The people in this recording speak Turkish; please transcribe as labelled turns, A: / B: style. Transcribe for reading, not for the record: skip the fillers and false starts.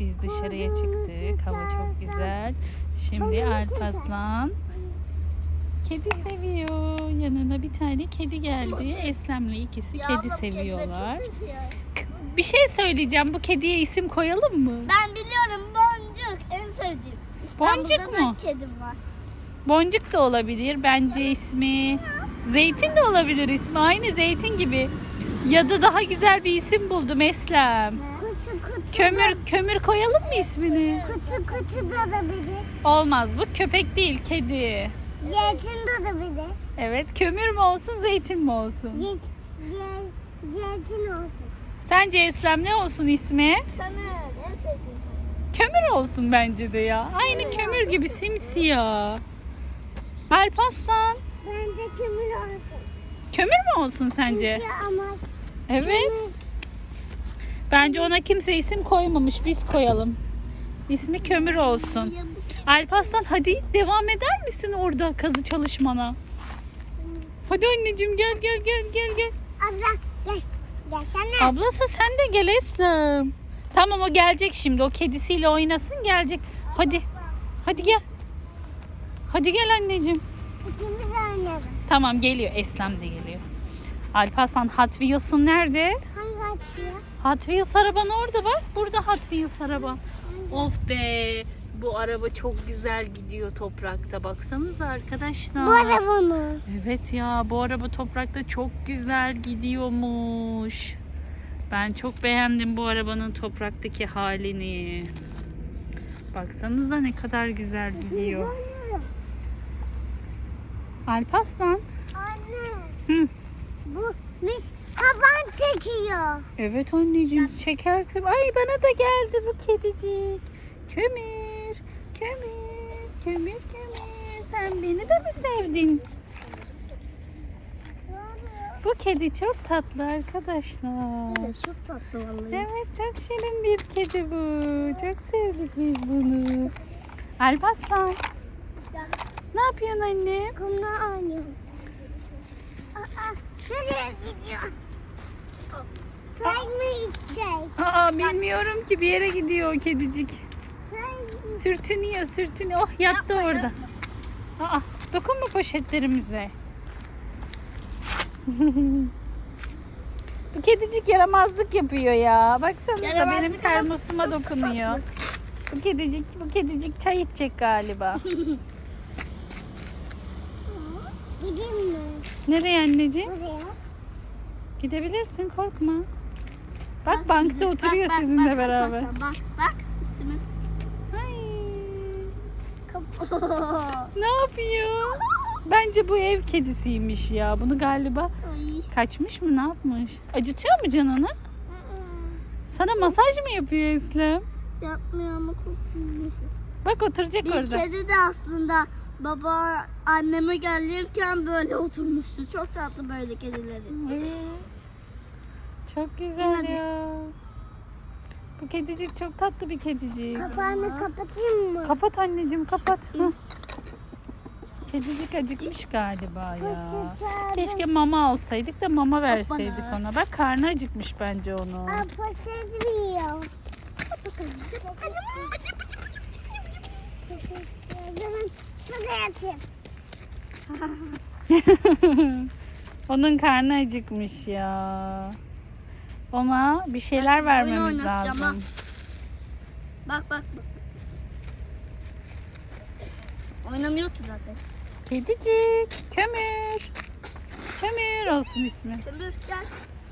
A: Biz dışarıya çıktık. Hava çok güzel. Şimdi Alparslan kedi seviyor. Yanına bir tane kedi geldi. Eslem'le ikisi kedi seviyorlar. Bir şey söyleyeceğim. Bu kediye isim koyalım mı?
B: Ben biliyorum, Boncuk en sevdiğim.
A: Boncuk
B: İstanbul'da
A: mu?
B: da kedim var.
A: Boncuk da olabilir. Bence ismi. Zeytin de olabilir ismi. Aynı zeytin gibi. Ya da daha güzel bir isim buldum Eslem. Kömür koyalım mı ismini?
B: Kutu da olabilir.
A: Olmaz, bu köpek değil, kedi.
B: Zeytin de olabilir.
A: Evet, kömür mü olsun, zeytin mi olsun?
B: Zeytin olsun.
A: Sence Eslem ne olsun ismi?
B: Kömür en sevdiğim.
A: Kömür olsun bence de ya. Aynı kömür gibi simsiyah. Alparslan,
B: Bence kömür olsun.
A: kömür mü olsun sence?
B: Ama
A: Evet. Bence ona kimse isim koymamış, biz koyalım. İsmi kömür olsun. Alparslan hadi devam eder misin orada kazı çalışmana? Hadi anneciğim gel.
B: abla gel. Gelsene.
A: Ablası sen de gel Eslem. Tamam, o gelecek şimdi. O kedisiyle oynasın, gelecek. Hadi gel. Hadi gel anneciğim.
B: İkimiz oynayalım.
A: Tamam, geliyor. Eslem de geliyor. Alparslan, Hot Wheels'ın nerede?
B: Hangi açıyor?
A: Hot Wheels araban orada bak. Burada Hot Wheels araba. Of be. Bu araba çok güzel gidiyor toprakta. Baksanıza arkadaşlar.
B: Bu araba mı?
A: Evet ya, bu araba toprakta çok güzel gidiyormuş. Ben çok beğendim bu arabanın topraktaki halini. Baksanıza ne kadar güzel gidiyor. Alparslan.
B: Anne.
A: Hı.
B: Bu mis taban çekiyor.
A: Evet anneciğim, çeker tabii. Ay, bana da geldi bu kedicik. Kömür. Sen beni de mi sevdin? Bu kedi çok tatlı arkadaşlar.
B: Çok tatlı vallahi.
A: Evet, çok şirin bir kedi bu. Çok sevdik biz bunu. Alparslan, ne yapıyorsun anne?
B: Kumla oynuyor. Nereye gidiyor? Çay mı içecek?
A: Bilmiyorum ki, bir yere gidiyor o kedicik. Sürtünüyor. Oh, yattı orada. Dokunma poşetlerimize. Bu kedicik yaramazlık yapıyor ya. Baksanıza,
B: Yaramazlık
A: benim termosuma dokunuyor. Bu kedicik çay içecek galiba.
B: Gideyim mi?
A: Nereye anneciğim?
B: Buraya.
A: Gidebilirsin, korkma. Bak bankta oturuyor sizinle beraber.
B: Bak üstüme.
A: Ay. Ne yapıyor? Bence bu ev kedisiymiş ya. Bunu galiba kaçmış mı, ne yapmış? Acıtıyor mu canını? Sana masaj mı yapıyor Eslem?
B: Yapmıyor ama korkuyorum.
A: Bak, oturacak
B: Bir
A: orada.
B: kedi de aslında baba anneme gelirken böyle oturmuştu. Çok tatlı böyle kedileri.
A: Çok güzel
B: Hadi.
A: ya. Bu kedicik çok tatlı bir kedicik.
B: Kapağını kapatayım mı?
A: Kapat anneciğim, kapat. Hah. Kedicik acıkmış galiba ya. Keşke mama alsaydık da mama verseydik ona. Bak, karnı acıkmış bence onun.
B: Poşet yiyor. Şuraya yatayım.
A: Onun karnı acıkmış ya. Ona bir şeyler
B: Oyun
A: vermemiz
B: oynatacağım
A: lazım.
B: Bak. Oynamıyordu zaten.
A: Kedicik, kömür olsun ismi.
B: Kömür gel.